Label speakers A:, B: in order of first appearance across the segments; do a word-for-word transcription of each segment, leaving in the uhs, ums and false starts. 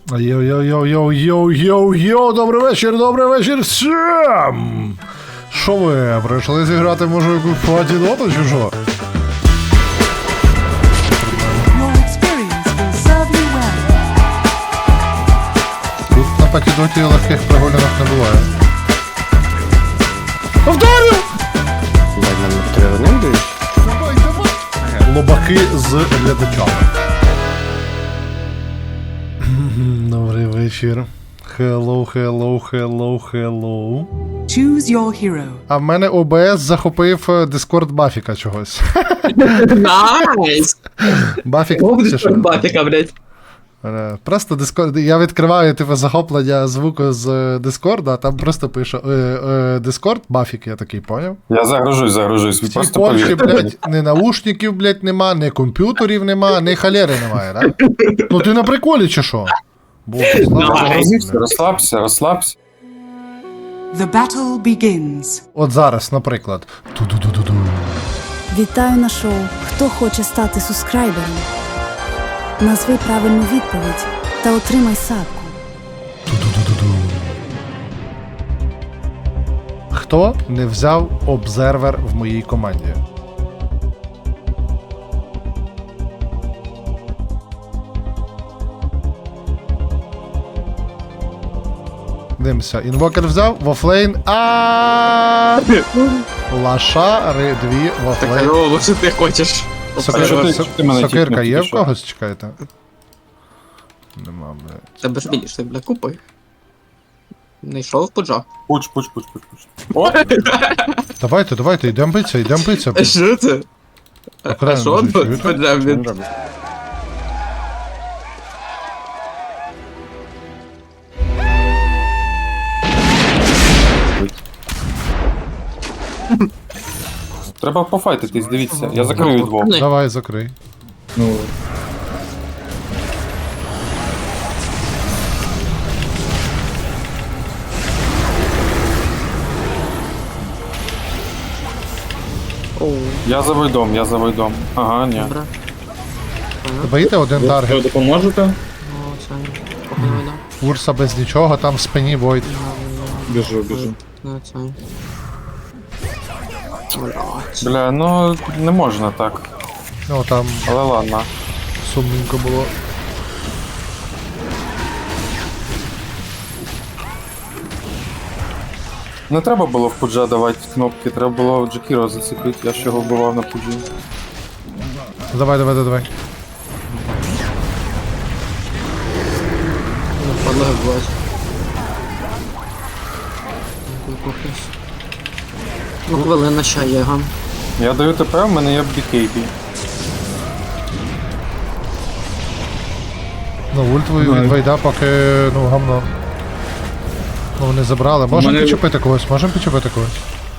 A: Йоу-йоу-йоу-йоу-йоу-йоу, добрий вечір, добрий вечір всім! Що ви, прийшли зіграти, може, якусь платіноту чи що? Тут на патідоті легких прогулянок не буває. Повторю! Давай, давай! Лобаки з глядачами. Добрий вечір. Hello, hello, hello, hello.
B: Choose your hero.
A: А в мене о бе ес захопив Discord Бафіка чогось.
C: Найс!
A: Бафік,
C: О,
A: чи що?
C: Бафіка, блядь.
A: Е, Просто Discord, я відкриваю типу захоплення звуку з Дискорда, а там просто пише е, е, Discord Бафік, я такий, поняв?
D: Я загружусь, загружусь.
A: В цій
D: Просто
A: Польщі,
D: повір.
A: блядь, ні наушників, блядь, нема, ні комп'ютерів нема, ні халери немає, да? Ну ти на приколі чи що? Боже, слава
D: Розслабся,
A: Богу.
D: розслабся, розслабся.
B: The battle begins.
A: От зараз, наприклад. Ту-ду-ду-ду-ду.
E: Вітаю на шоу «Хто хоче стати субскрайбером?» Назви правильну відповідь та отримай садку.
A: Ту-ду-ду-ду-ду. Хто не взяв обзервер в моїй команді? Дивимося, інвокер взяв, вофлейн, а лашари дві, вофлейн.
C: Алло, що ти хочеш?
A: Сокир-
D: що ти-
A: сок-
D: ти мене
A: Сокирка
D: тіпнув,
A: є
D: ти
A: в
D: що?
A: когось, чекайте? Нема, блядь.
C: Тебе ж більше, бля, купи. Не йшов пуджа.
D: Пуч, пуч, пуч, пуч, пуч. О,
A: Давайте, давайте, йдемо битися, йдемо битися.
C: А що це? А
A: Окремо,
C: що
A: може,
C: тут?
A: чуєте?
C: Пуджа, блін.
D: треба пофайтитись, дивіться. Я закрию двох.
C: Не.
A: Давай, закрий.
C: Оу,
D: Я за войдом, я за войдом. Ага, ні.
C: добре.
A: Боїте один таргет.
F: Допоможете?
C: О, це, походу, да.
A: Урса без нічого, там в спині Войд.
F: Біжу, біжу.
C: Ну, це. Блядь.
D: Бля, ну не можна так.
A: Ну там
D: Але ладно.
A: сумненько було.
D: Не треба було в пуджа давати кнопки, треба було Джекіро зацепити, я ж його вбивав на пуджі.
A: Давай, давай, давай.
C: Ну, падла, блядь. Кухнеш. Ну, хвилина ще є, га.
D: Я даю ТП, в мене є бі кей бі.
A: Ну, ульт ви- від Вейда поки, ну, гамно. Ну, вони забрали. Можемо
F: мене-
A: підчепити когось, можемо підчепити когось.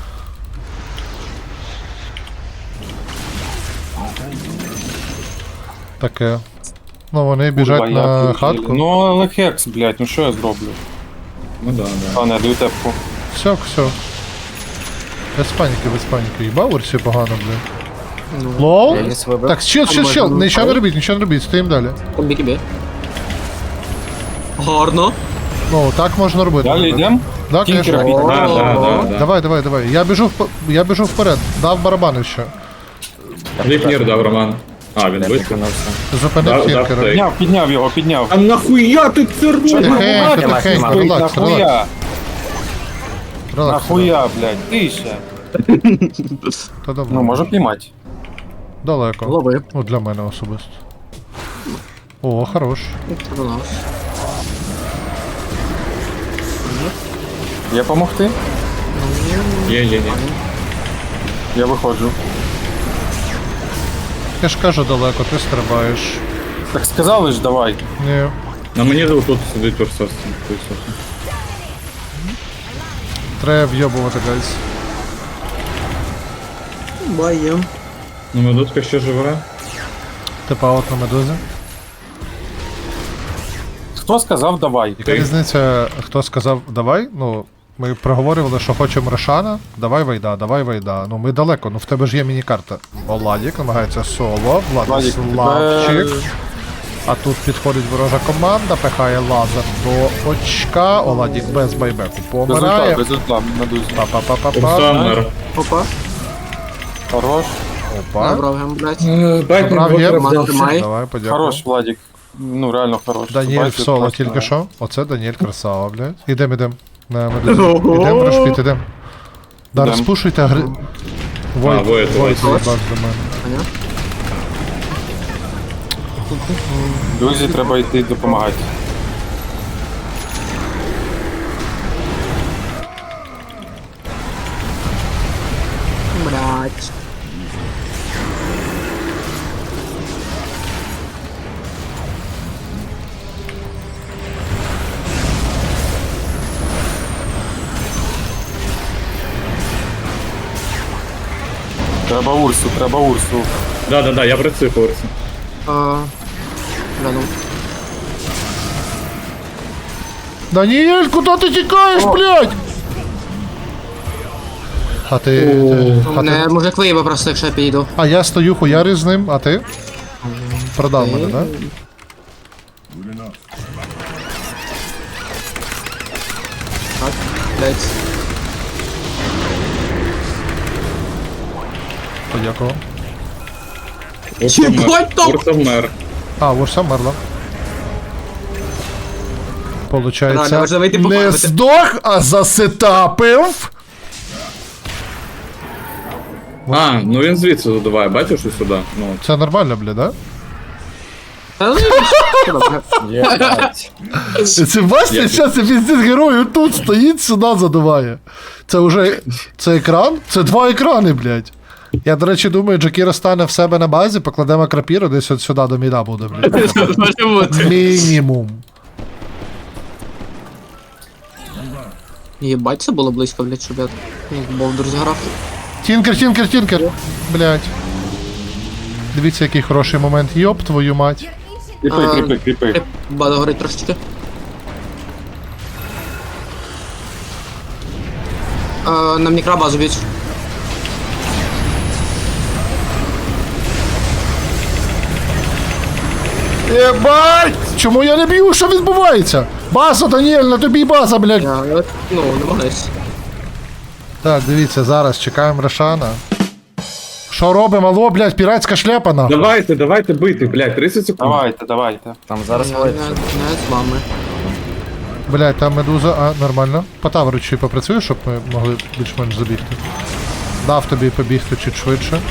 A: Таке. Ну, вони біжать
D: Курва,
A: на
D: я
A: хатку.
D: Ну, але хекс, блядь, ну що я зроблю?
F: Ну да, да.
D: А, не, даю тепку.
A: Все, все. Без паніки, без паніки. Їбав Урсі погано, блядь.
C: Ну,
A: Лоу?
C: я ліс вибив.
A: Так, чил, чил,
C: А
A: чил.
C: можна
A: Нічого не
C: рукою?
A: робіть, нічого не робіть, стоїмо далі.
C: Бі-бі. Гарно.
A: Ну, так можна робити.
D: Далі йдем?
A: Да,
D: Тінкера
A: конечно.
D: біть.
F: Да, да, да, да.
A: Давай, давай, давай. Я біжу, вп... я біжу вперед. Дав барабани ще.
F: Ліпнір дав Роман. А, він висунувся.
A: Зупинив
F: Да, да,
A: фіркера.
F: так.
D: Підняв, підняв його, підняв.
F: А нахуя ти це робиш?
A: Тихенько, тихенько, релакс, релакс.
D: Нахуя,
A: Релакс.
D: нахуя, блядь, тише.
A: Та добре.
D: Ну, можу піймати.
A: Далеко.
C: Лови.
A: Ну, для мене особисто. О, хорош.
C: Релакс.
D: Є помогти?
F: Є, є, є.
D: Я виходжу.
A: Я ж кажу далеко, ти стрибаєш.
D: Так сказали ж, давай.
A: Ні.
F: На мені тут сидить Урсос.
A: Треба вйобувати, гайс.
C: Баєм.
F: Ну, медузка ще живе.
A: Типа от на медузі.
D: Хто сказав давай?
A: Яка різниця, хто сказав давай? Ну, ми проговорювали, що хочемо Рошана. Давай Вайда, давай Вайда. Ну ми далеко, ну в тебе ж є міні-карта. Владік намагається соло,
D: Владік,
A: Владиславчик.
D: тебе-
A: А тут підходить ворожа команда, пихає лазер до очка. Оладік без байбеку
D: Без ульта,
A: помирає.
D: без ульта, на дузі.
A: Па-па-па-па-па.
F: Урсамер.
C: Опа.
D: Хорош.
A: Опа.
C: Набрав гем, блядь.
F: Байтінг
A: Брав
F: Вокер
A: гем.
F: взяв.
C: Тримай.
A: Давай, подякую.
D: Хорош, Владик. Ну, реально хорош.
A: Даніель в
D: Бачиш,
A: соло
D: класно
A: тільки
D: грає.
A: що. Оце Даніель красава, блядь. Ідем, ідем. На медузі.
C: Ого.
A: Ідем, Рошпіт, ідем. Да,
D: Ідем.
A: розпушуйте гри... Войт,
F: Войт,
A: Войт,
F: Войт.
A: заїбав до мене.
C: Поняв?
D: Дузі треба йти допомагати.
C: Блядь.
D: Треба Урсу, треба Урсу.
F: Да, да, да, я працюю по Урсі.
C: А, Бля, ну.
A: Даніель, куди ти тікаєш, блядь? А ти... ти- а,
C: Мене
A: ти...
C: мужик виїбав просто, якщо я підійду.
A: а я стою хуярю з ним, а ти? Продав мене, да?
C: Так, блядь.
A: Подякував.
C: Єбать там!
F: Урса вмер.
A: А, Урса мерла.
C: Реально,
A: Получається,
C: можна вийти
A: не
C: пофармити.
A: здох, а засетапив.
F: А, ну він звідси задуває, бачиш ось сюди. Ну,
A: Це нормально, бля, да?
C: Та ну, добре.
A: Це бачите, зараз це піздець герою тут стоїть, сюди задуває. Це вже. Це екран? Це два екрани, блядь. Я, до речі, думаю, Джакіро стане в себе на базі, покладемо крапіру, десь от сюди до міда буде, блядь.
C: Може бути.
A: Мінімум.
C: Єбать, це було близько, блядь, щоб я як Болдер зіграв.
A: Тінкер, тінкер, тінкер. Блядь. Дивіться, який хороший момент. Йоп, твою мать.
D: Кріпи,
C: А,
D: кріпи, кріпи.
C: Бада горить трошечки. А, нам мікробазу б'ють.
A: Єбать! Чому я не б'ю? Що відбувається? База, Даніель, на тобі база, блядь.
C: Я, ну, намагаюсь.
A: Так, дивіться, зараз чекаємо Рошана. Що робимо? Алло, блядь, піратська шляпа, нахуй.
F: давайте, давайте бити, блядь, тридцять секунд.
D: Давайте, давайте.
G: Там зараз
C: Я не,
G: Войт.
C: не з вами.
A: Блядь, там медуза, а, нормально. По таверу чи попрацюєш, щоб ми могли більш-менш забігти. Дав тобі побігти чуть швидше.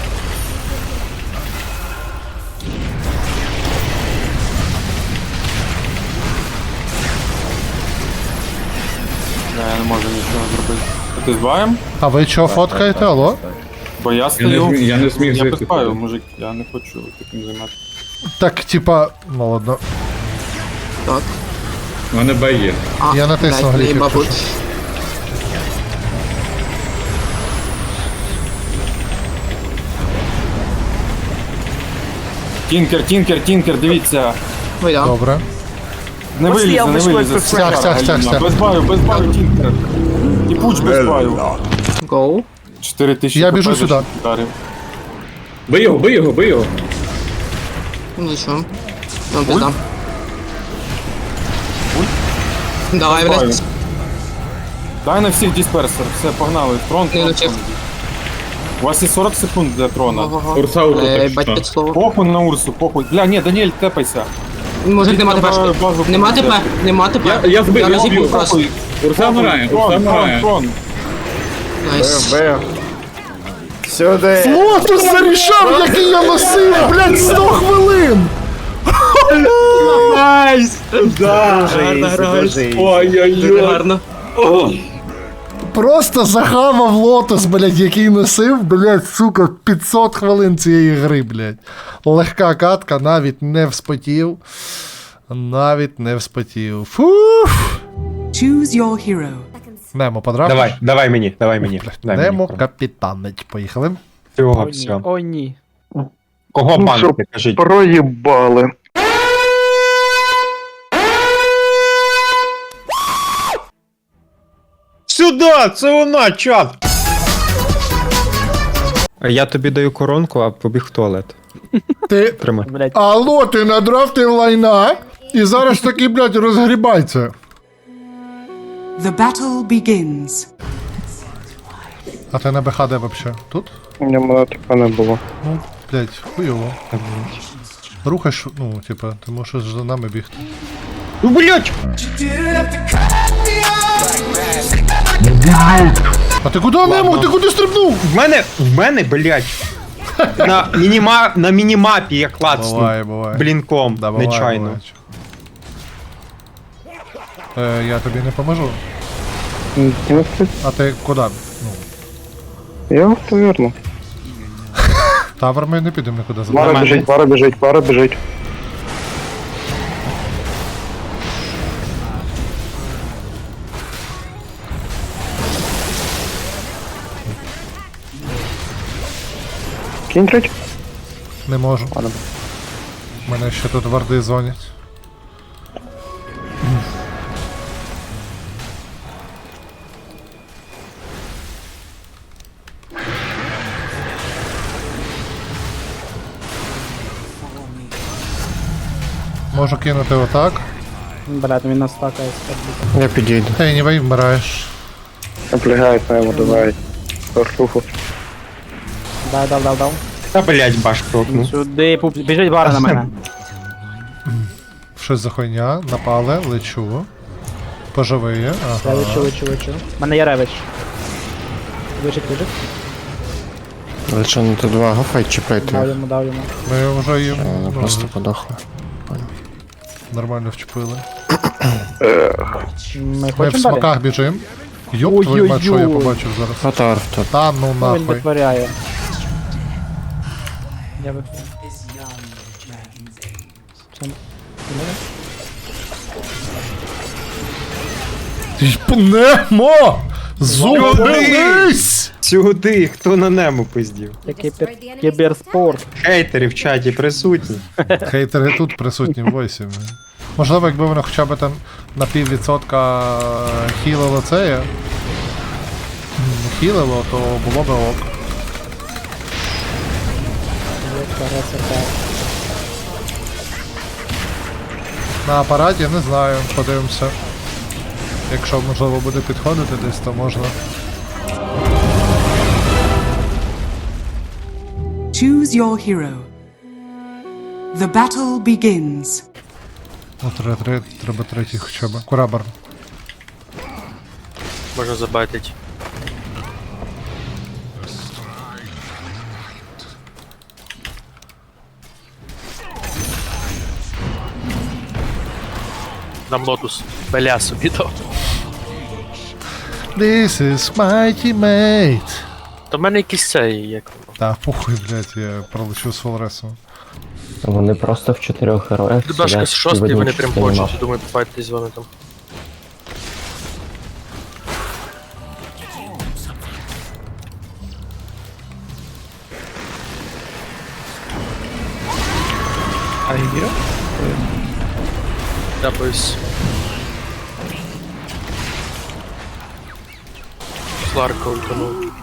D: Да, я не можу нічого зробити. Ти збаєм?
A: А ви чого фоткаєте, алло?
D: Бо я
F: Я не,
D: стою.
F: зміг, я не зміг
D: Я
F: зайти.
D: безпаю,
F: туди.
D: мужик, я не хочу таким займатися.
A: Так, типа, ну ладно.
C: Так.
F: У мене Б є.
C: А,
A: Я натиснув
C: блядь,
A: гліф,
C: наїбав.
A: якщо
D: Тінкер, тінкер, тінкер, дивіться.
C: Вийдя.
A: Добре.
D: Не вилізе, не вилізе.
A: Стяг, стяг, стяг, стяг.
D: Без баю, без баю, тінкер. І пуч без баю.
C: Гоу.
D: чотири тисячі.
A: Я біжу
D: хп
A: сюди.
D: вдарив.
F: Бий його, бий його, бий його.
C: Ну що? Ну, пизда. Давай,
D: Баю.
C: блядь.
D: Дай на всіх дисперсер, все, погнали. Трон,
C: Не
D: трон,
C: навчив.
D: трон. У вас є сорок секунд для трона.
C: Ого.
F: Урса у
C: Ей,
F: так
C: бать
F: що.
C: п'ять слово.
D: Похуй на Урсу, похуй. Бля, ні, Даніель, тепайся.
C: Мужик, нема
D: Треба
C: ТПшки.
D: базу
C: Нема ТП,
D: взяти.
C: нема ТП.
F: Я- я збив, я
C: розіб'ю
F: збив.
C: просто.
D: Похуй.
F: Урса вмирає, Урса
D: Трон, трон,
F: вмирає.
D: трон.
C: Найс.
G: Бив. Сюди.
A: Лотус зарішав, який я носив, блядь, сто хвилин!
C: Найс!
G: Дуже ізі, дуже ізі.
C: Дуже
F: Ой-ой-ой.
C: гарно.
A: Просто захавав лотос, блядь, який носив, блядь, сука, п'ятсот хвилин цієї гри, блядь. Легка катка, навіть не вспотів. Навіть не вспотів. Фуф.
B: Choose your hero.
A: Немо подрав.
H: Давай, давай мені, давай мені. Дай
A: Немо
H: мені.
A: капітанить. Поїхали.
H: Всього, все.
G: О, ні.
H: Кого банки, кажіть?
I: Проїбали.
H: Сюди, це вона, чат!
G: Я тобі даю коронку, а побіг в туалет.
A: Ти.
H: Тримай.
G: Блять,
A: Алло, ти надрафтив лайна, і зараз таки, блядь, розгрібай це.
B: The battle begins.
A: А ти на БХ де вообще? Тут?
I: У мене мотика не було.
A: Ну, блядь, хуйово. Рухаєш, ну, типа, ти можеш за нами бігти.
H: Ну, блядь!
A: А ти куди не мог? Ти куди стрибнув?
H: В мене, в мене, блядь, на, мініма, на мінімапі я клацнув
A: Буває, буває.
H: блінком,
A: Да, буває,
H: нечайно.
A: буває. Е, я тобі не поможу.
I: М, ну, ти-
A: А ти куди? Ну,
I: Я в таверну.
A: тавер ми не підемо нікуди за
I: Пара
H: Нормально.
I: біжить, пара біжить, пара біжить. Кінчить?
A: Не можу.
I: Ладно.
A: Мене ще тут варди дзвонять. Можу кинути отак.
G: блядь, він нас стакає.
I: Я підійду.
A: Ей, не вмираєш.
I: Наплягає на йому, давай. Портуху.
G: Дай, дав, дав, дав.
H: Та, блядь, баш прокнув.
G: Сюди, пуп, біжить бара на мене.
A: Щось за хуйня, напали, лечу. Поживиє,
G: Я
A: ага.
G: лечу, лечу, лечу. У мене є ревич. Вижить, вижить.
I: Лише на тут два гафай чіпляйте.
G: Дав йому, дав йому.
A: Ми вже їм ну,
I: Просто подохли.
A: нормально вчепили.
G: Ми
A: Ми в
G: хочемо далі?
A: смоках біжим. Йоп твою мать, що я
G: Ой-ой-ой.
A: побачив зараз.
I: Атар тут.
A: Та ну
G: Ну, він
A: нахуй.
G: витворяє. Я виходжу. Це-
A: Немо! Зупинись!
H: Сюди, хто на нему пиздів?
G: Це кібер- кіберспорт.
H: Хейтери в чаті присутні.
A: Хейтери тут присутні в войсі. блін. Можливо, якби вони хоча б там на пів відсотка хілило це, м, хілило, то було б ок. На апараті не знаю, подивимося. Якщо можливо буде підходити десь, то можна.
B: Choose your hero. The battle begins.
A: Ну, треба, треба, треба третій хоча б. Курабар.
J: Можна забайтить. Нам лотус. Беля собі дав.
A: This is my teammate.
J: То в мене якийсь цей, як воно.
A: Та похуй, блядь, я пролечу з фолресом.
K: Вони просто в чотирьох героях.
J: Дебашка
K: сидять
J: з
K: і в
J: шостий,
K: одній
J: вони прям
K: частині
J: хочуть.
K: мапи.
J: Думаю, пофайтись з вами там.
C: А є?
J: Дапаюсь. Сларка ультанув.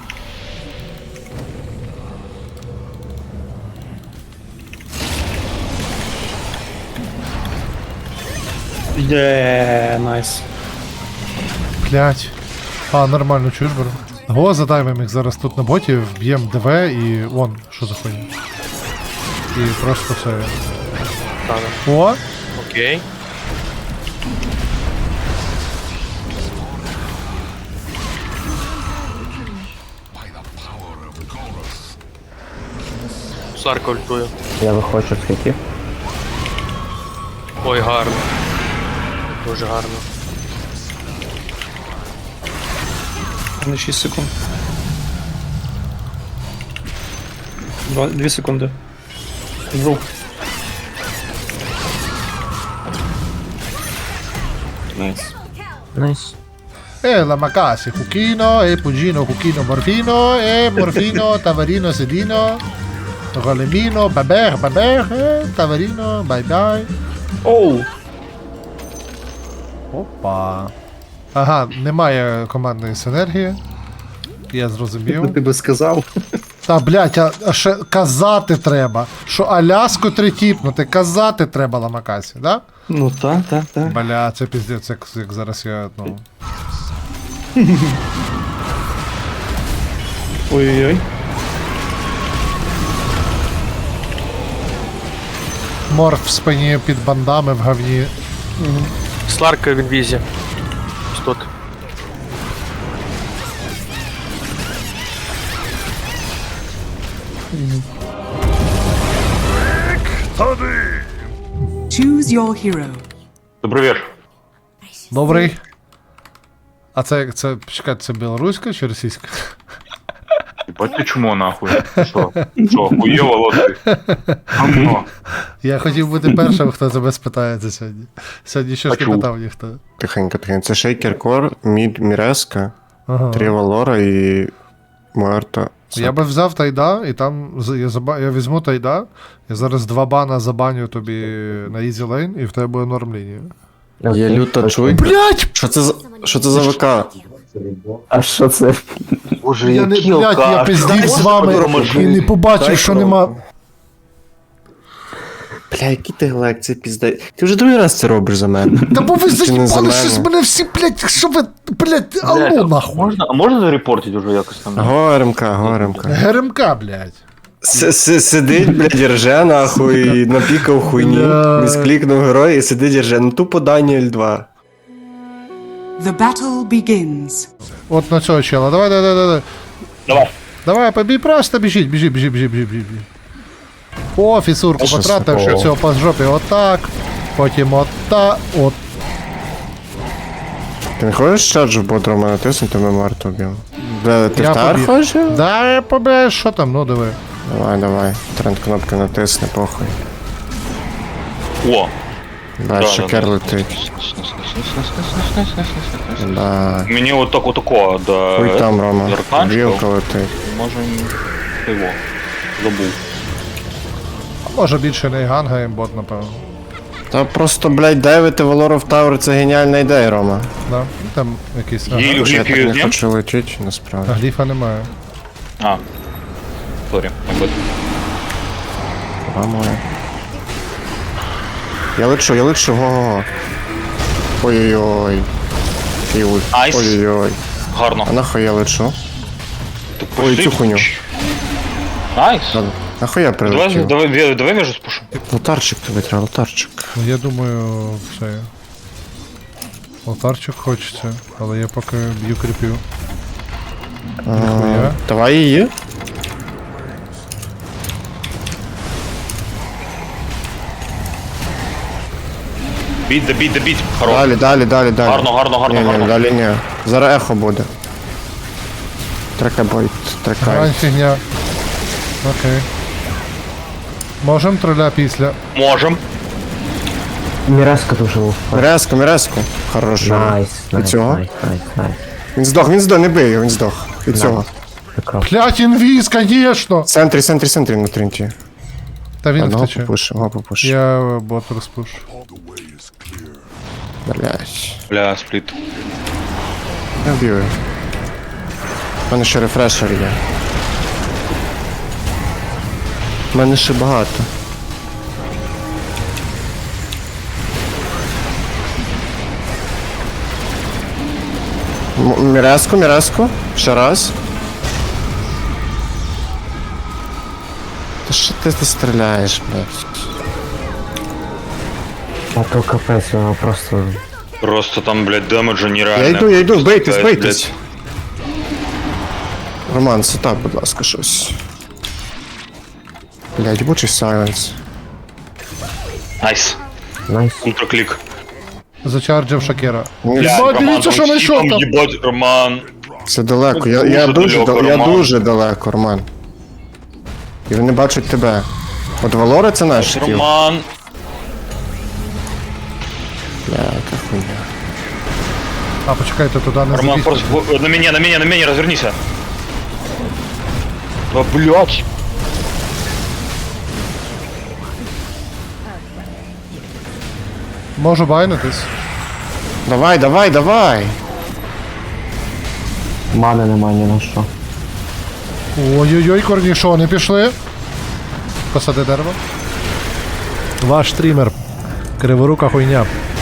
C: Є, найс.
A: Блять. А, нормально, чуєш, бро? Го, задаймем їх зараз тут на боті, вб'єм ДВ і вон, що за хуйня. І просто все.
J: Тана.
A: О!
J: Окей. Сларка ультує.
K: Я виходжу з хитів.
J: Ой, гарно. Дуже гарно.
C: На шість секунд. Два, дві секунди. Вру. Найс.
K: Найс.
A: E la macasi, Cucchino, e Pugino, Cucchino, Morfino, e Morfino, Tavarino, Sedino, Rolemino, Baber, Baber, e Tavarino, bye bye.
C: Оу!
A: Опа. Ага, немає командної синергії. Я зрозумів.
C: Ти би сказав.
A: Та, блядь, а, а ще казати треба, що Аляску тритіпнути, казати треба Ламакасі, да?
H: Ну так, так, так.
A: Бля, це піздець, як, як зараз я, ну...
H: Ой-ой-ой.
A: Морф в спині під бандами в говні.
J: Сларка в інвізі. Ось тут.
B: Choose your hero.
F: Добрий вечір.
A: Добрий. А це, це, чекайте, це білоруська чи російська?
F: Ебать ти чмо нахуй. Що? Що, хуєво лоти? Гамно.
A: Я хотів бути першим, хто тебе спитається сьогодні. Сьогодні щось не
F: Почув.
A: питав ніхто.
I: Тихенько, тихенько. Це Шейкер Кор, Мід Міреска,
A: Ага.
I: Три Валора і Муерта.
A: Я би взяв тайда, і там з- я, заба... я візьму тайда, я зараз два бана забаню тобі на Easy Lane, і в тебе буде норм лінія.
I: Є люта чуй.
A: Блять!
I: Що це за що це за ВК?
K: А що це?
J: Боже,
A: Я не, блядь, я пиздів з вами і не побачив, що нема.
I: Бля, який ти глек, це пізда. Ти вже другий раз це робиш за мене.
A: Та бо ви
I: Чи не за
A: заїбали
I: мене?
A: щось мене всі, блядь, що ви, блядь, алло нахуй.
F: Можна, а можна зарепортити уже якось там?
I: Горемка, горемка.
A: ГРМК, блядь.
I: С- с- Сидить, блядь, рже нахуй, напікав хуйні,
A: Бля.
I: місклікнув герой і сидить рже. Ну тупо Даніель два.
B: The battle begins.
A: От на цього чела, давай, давай, давай, давай.
F: Давай.
A: Давай, побій, просто біжіть, біжіть, біжіть, біжіть, біжіть, біжіть. О, фісурку
I: Що
A: потратив,
I: це?
A: що цього по жопі отак, потім отак, от.
I: Ти не хочеш чаджу бодрому натиснути, ми Марту б'ємо? Бля, ти
A: Я
I: в тар
A: побіг.
I: хочеш?
A: Да, я побіг, що там, ну диви.
I: Давай, давай. Тренд кнопки натисни, похуй.
F: О.
I: Да, шокер летить. Да.
F: Мені отак отако, да.
I: Хуй там, Рома.
F: Арканчиков.
I: Вілка летить.
F: Можем його. Забув.
A: А може більше не ганга бот, напевно.
I: Та просто, блядь, дайвити Валору в Тавр це геніальна ідея, Рома.
A: Да? Ну, там якийсь. Ага.
F: Їй
I: Я так
F: гліпів
I: не
F: ні?
I: хочу летіти, насправді.
A: А гліфа немає.
F: А. Сорі, мабуть.
I: Рома. Я лечу, я лечу, го-го-го. Ой-ой-ой. Який ульт.
F: Айс.
I: Ой-ой-ой.
F: Гарно.
I: А нахуй я лечу?
F: Ти
I: Ой,
F: пустив?
I: цю хуйню.
F: Найс.
I: Ладно. Нахуй я
F: Давай,
I: прилетів?
F: давай, давай між спушу.
I: Лотарчик тобі треба, лотарчик.
A: Ну, я думаю, це. Алтарчик хочеться, але я поки б'ю кріпів. Ніхуя.
I: Давай її.
F: Біть, да біть, да біть. Хорош.
I: Далі, далі, далі, далі.
F: Гарно, гарно, гарно,
I: Ні, ні,
F: гарно.
I: далі ні. Зараз ехо буде. Трекайбой, трекай.
A: Грань фігня. Окей. Можем троля після.
F: Можем.
K: Міреска дуже луф.
I: Міреску, міреску. Хорош.
K: Найс,
I: І
K: найс,
I: цього?
K: найс, найс, найс.
I: Він здох, він здох, не бий його, він здох. І цього.
K: Прекрасно.
A: Блять, інвіз, конечно!
I: В центрі, центрі, центрі на тринті.
A: Та він
I: Одного
A: втече.
I: попуш, одного попуш.
A: Я е, бот розпуш.
I: Блять.
F: Бля, спліт.
I: Я вбив. У мене ще рефрешер є. У мене ще багато. М- Міреску, міреску. Ще раз. Та що ти ти стріляєш, блядь?
K: А то капець, воно просто...
F: Просто там, блядь, демеджа нереально.
I: Я йду, я йду, бийтесь,
F: Блядь,
I: бийтесь. Роман, сетап, будь ласка, щось. Блядь, бучий сайленс.
F: Найс.
K: Найс.
F: Ультраклік.
A: Зачарджив Шакера.
I: Ні,
F: Бля,
A: Єбать,
F: Роман,
A: дивіться, що
F: там
A: знайшов
F: всі
A: там.
F: Єбать, Роман.
I: Це далеко, я, я
F: Дуже
I: дуже,
F: далеко,
I: да- я
F: Роман.
I: дуже далеко, Роман. І вони бачать тебе. От Валора це наш стіл.
F: Роман.
I: Бля, яка хуйня.
A: А, почекайте, туди не
F: Роман,
A: забігти.
F: просто в- на меня, на меня, на меня, развернися. Да, блядь.
A: Можу байнитись.
I: Давай, давай, давай!
K: Мани нема ні на що.
A: Ой-ой-ой, корнішони пішли. Посади дерево. Ваш стрімер. Криворука хуйня.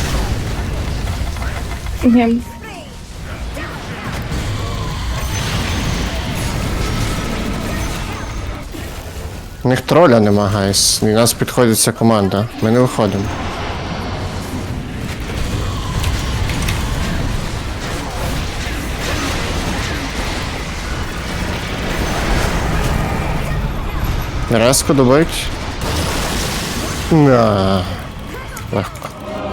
I: У них троля нема, гайс. І нас підходить ця команда. Ми не виходимо. Резко добить. На. Легко.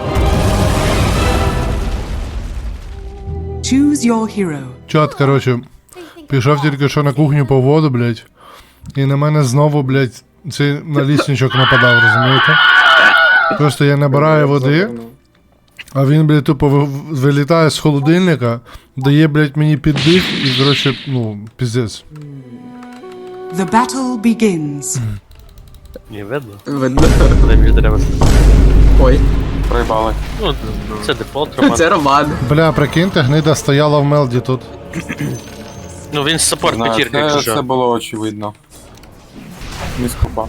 B: Choose your hero.
A: Чат, короче, пішов тільки що на кухню по воду, блядь. І на мене знову, блядь, цей налісничок нападав, розумієте? Просто я набираю води, а він, блядь, тупо ви- вилітає з холодильника, дає, блядь, мені піддих і, короче, ну, піздець.
B: The battle begins.
J: Не видно.
C: Видно.
J: Куди мені треба.
C: Ой,
D: Проїбали.
J: Ну, це дефолт, Роман.
C: це Роман.
A: Бля, прикиньте, гнида стояла в мелді тут.
J: Ну він саппорт
D: Знаю,
J: п'ятірка,
D: це,
J: якщо
D: це
J: що.
D: було очевидно. Міскопа.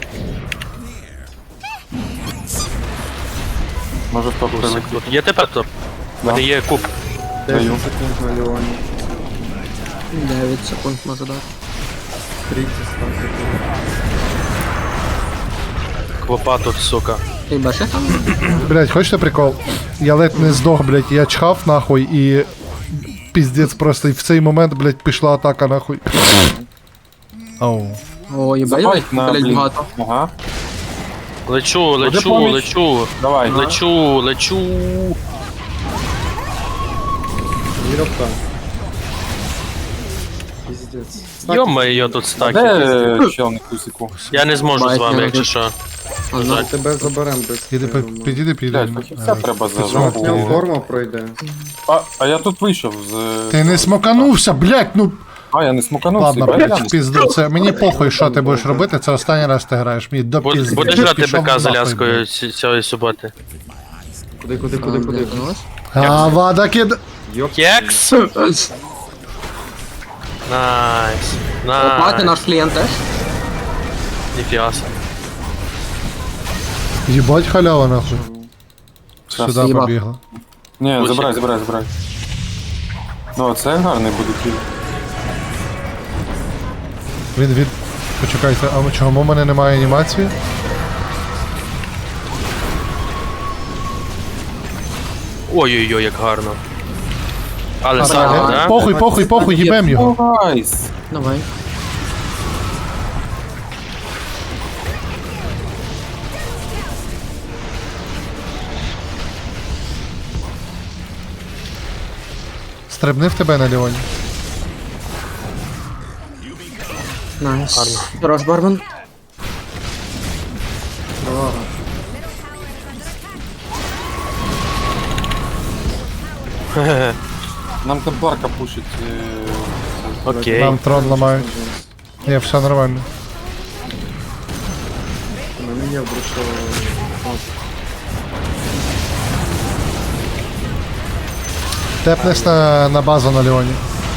D: Може хто прилетів.
J: Тут є тепер топ? У мене є куб.
D: Даю.
C: дев'ять секунд може дати.
J: Квопа тут, сука.
C: Ти бачиш там?
A: Блядь, хочете прикол? Я ледь не здох, блядь, я чхав нахуй і... Піздець просто, і в цей момент, блядь, пішла атака нахуй. Ау.
C: О, їбать,
D: Забайт на
C: блядь,
D: блін.
C: багато.
D: Ага.
J: Лечу, лечу,
D: поміч.
J: лечу.
D: Давай.
J: Лечу, лечу. Йо-моє, тут стаки.
D: Де чел на кусику?
J: Я не зможу з вами, якщо що.
C: Ага.
H: Тебе заберем без.
A: Піди, пи- підійди, підійди.
D: Блядь, фахівця треба за жопу.
H: Форма пройде.
D: А, а я тут вийшов з...
A: Ти не смоканувся, блядь, ну...
D: А, я не смоканувся.
A: Ладно,
D: блядь.
A: блядь, в пізду, це мені похуй, що ти будеш робити, це останній раз ти граєш, мені до
J: Буд-
A: пізди.
J: Будеш грати
A: Пішов
J: БК з
A: нахуй,
J: Аляскою
A: блядь.
J: ці- цієї суботи?
H: Куди, куди, куди, куди?
A: А, вада кид...
J: Кекс! Найс.
C: Оплати
J: Найс.
C: наш клієнт теж.
J: Ніфіга собі.
A: Їбать халява, нахуй.
D: Щас.
A: Сюди
C: Їбав.
A: побігла.
D: Ні,
J: Лучик.
D: забирай, забирай, забирай. Ну, це гарний буде кіл.
A: Він від... Почекайте, а чому у мене немає анімації?
J: Ой-ой-ой, як гарно. Але
A: А,
J: саме,
A: е,
J: да?
A: Похуй, похуй, похуй, їбем його.
D: Найс.
C: Давай.
A: Стрибни в тебе на Леоні.
C: Найс. Хорош, Бармен.
D: Нам темпларка пушить. е,
J: Окей.
A: Нам трон ламають. Ні, все нормально. Тепнеш на, на базу на Леоні.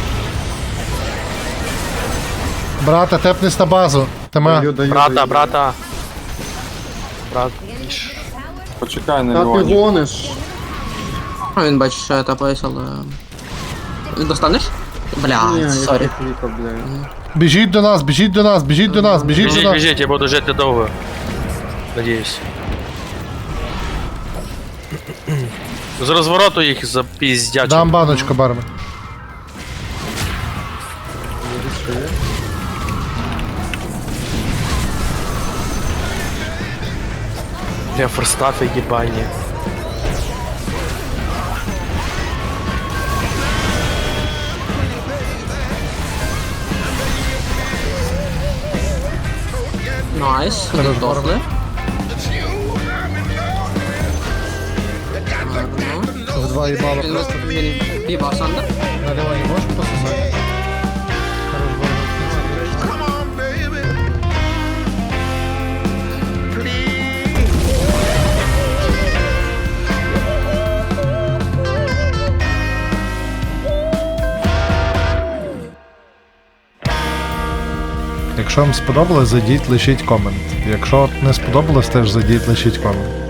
A: Брата, тепнеш на базу. Тема.
J: Брата, брата. Брат.
D: Почекай на Леоні.
H: гониш.
C: А він бачиш, що я тапаюсь, але... Достанеш? Бля, сорі.
A: Біжіть до нас, біжіть до нас, біжіть до нас, біжіть до
J: Біжіть,
A: нас.
J: біжіть, я буду жити довго. Надіюсь. З розвороту їх запіздячу.
A: Дам баночку, бармен.
J: Я форстафи їбані.
C: Найс, роздохли.
A: В два їбала
C: Він
A: просто.
C: він півав Сандер.
A: На Леоні можеш пососати? Якщо вам сподобалось, зайдіть, лишіть комент. Якщо не сподобалось, теж зайдіть, лишіть комент.